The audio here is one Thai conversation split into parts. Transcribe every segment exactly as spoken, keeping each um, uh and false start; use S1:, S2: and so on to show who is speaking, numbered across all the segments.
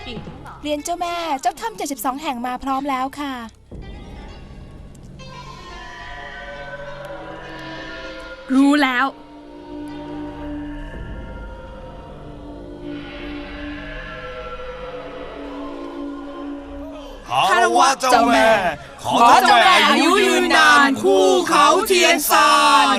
S1: เรียนเจ้าแม่เจ้าถ้ำเจ็ดสิบสองแห่งมาพร้อมแล้วค่ะ
S2: รู้แล้ว
S3: คารวะเจ้าแม่ขอเจ้าแม่อายุยืนนานคู่เขาเทียนซาน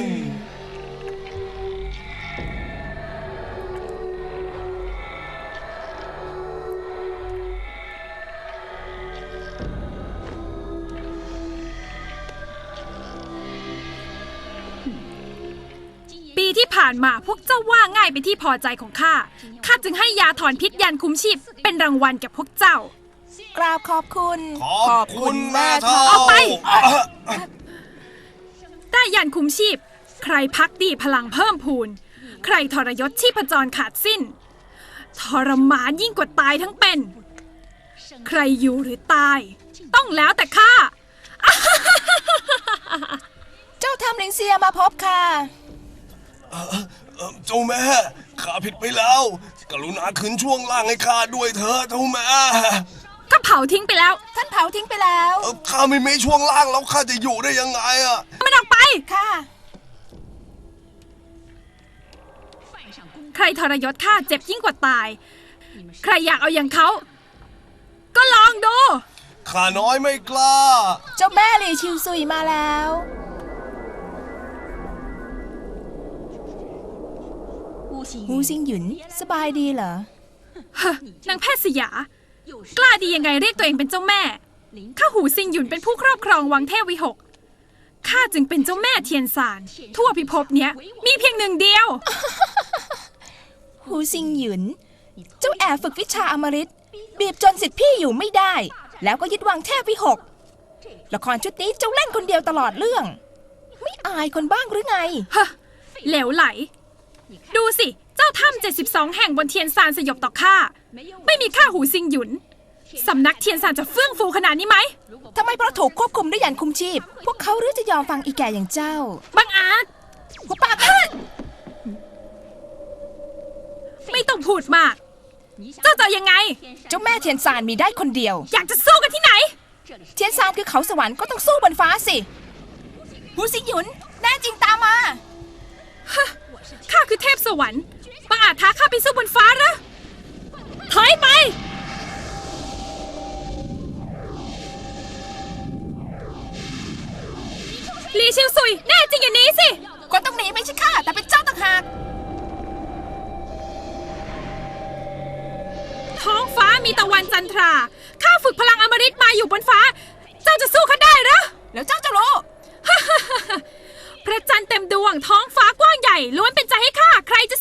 S2: ปีที่ผ่านมาพวกเจ้าว่าง่ายเป็นที่พอใจของข้าข้าจึงให้ยาถอนพิษยันคุ้มชีพเป็นรางวัลแก่พวกเจ้าก
S1: ราบขอบคุณ
S3: ขอบคุณแม่เฒ่า
S2: เอาไป ได้ยันคุ้มชีพใครพักดีพลังเพิ่มพูนใครทรยศชีพจรขาดสิ้นทรมานยิ่งกว่าตายทั้งเป็นใครอยู่หรือตายต้องแล้วแต่ข้า
S1: เจ้าถ้ำลิงเซียมาพบค่ะ
S3: เจ้าแม่ข้าผิดไปแล้วกรุณาคืนช่วงล่างให้ข้าด้วยเถอะเจ้าแม่
S2: ก็เผาทิ้งไปแล้ว
S1: ท่านเผาทิ้งไปแล้ว
S3: เอ่อข้าไม่มีช่วงล่างแล้วข้าจะอยู่ได้ยังไงอะ
S2: มันออกไป
S1: ค่ะ
S2: ใครทรยศข้าเจ็บยิ่งกว่าตายใครอยากเอาอย่างเขาก็ลองดู
S3: ข้าน้อยไม่กล้า
S1: เจ้าแม่หลี่ชิวซุยมาแล้วหูซิงหยุนสบายดีเหรอ
S2: ฮะนางแพทย์สยากล้าดียังไงเรียกตัวเองเป็นเจ้าแม่ข้าหูซิงหยุนเป็นผู้ครอบครองวังเทพวิหกข้าจึงเป็นเจ้าแม่เทียนซานทั่วพิภพเนี้ยมีเพียงหนึ่งเดียว
S1: หูซิงหยุน เจ้าแอบฝึกวิชาอมฤตบีบจนสิทธิพี่อยู่ไม่ได้ แล้วก็ยึดวังเทพวิหกละครชุดนี้เจ้าเล่นคนเดียวตลอดเรื่อง ไม่อายคนบ้างหรือไง
S2: ฮะเหลวไหลดูสิเจ้าถ้ำเจ็ดสิบสองแห่งบนเทียนซานสยบต่อข้าไม่มีข้าหูซิงหยุนสำนักเทียนซานจะเฟื่องฟูขนาดนี้ไหม
S1: ทำไมเพราะถูกควบคุมด้วยยันคุมชีพ พวกเขาหรือจะยอมฟังอีแก่อย่างเจ้า
S2: บังอาจ
S1: หุบปากเถิด
S2: ไม่ต้องพูดมากเจ้าจะยังไง
S1: เจ้าแม่เทียนซานมีได้คนเดียว
S2: อยากจะสู้กันที่ไหน
S1: เทียนซานคือเขาสวรรค์ก็ต้องสู้บนฟ้าสิหูซิงหยุนแน่จริงตามมา
S2: ข้าคือเทพสวรรค์บังอาจท้าข้าไปสู้บนฟ้าเหรอถอยไปลีชิวซุยแน่จริงอย่างนี้สิ
S1: คนต้องหนีไม่ใช่ข้าแต่เป็นเจ้าต่างหาก
S2: ท้องฟ้ามีตะวันจันทราข้าฝึกพลังอมฤตมาอยู่บนฟ้า เจ้าจะสู้ข้าได้เหรอ
S1: แล้วเจ้าจะรู้
S2: พระจันทร์เต็มดวงท้องฟ้ากว้างใหญ่ล้วนเป็นใจให้ข้าใครจะ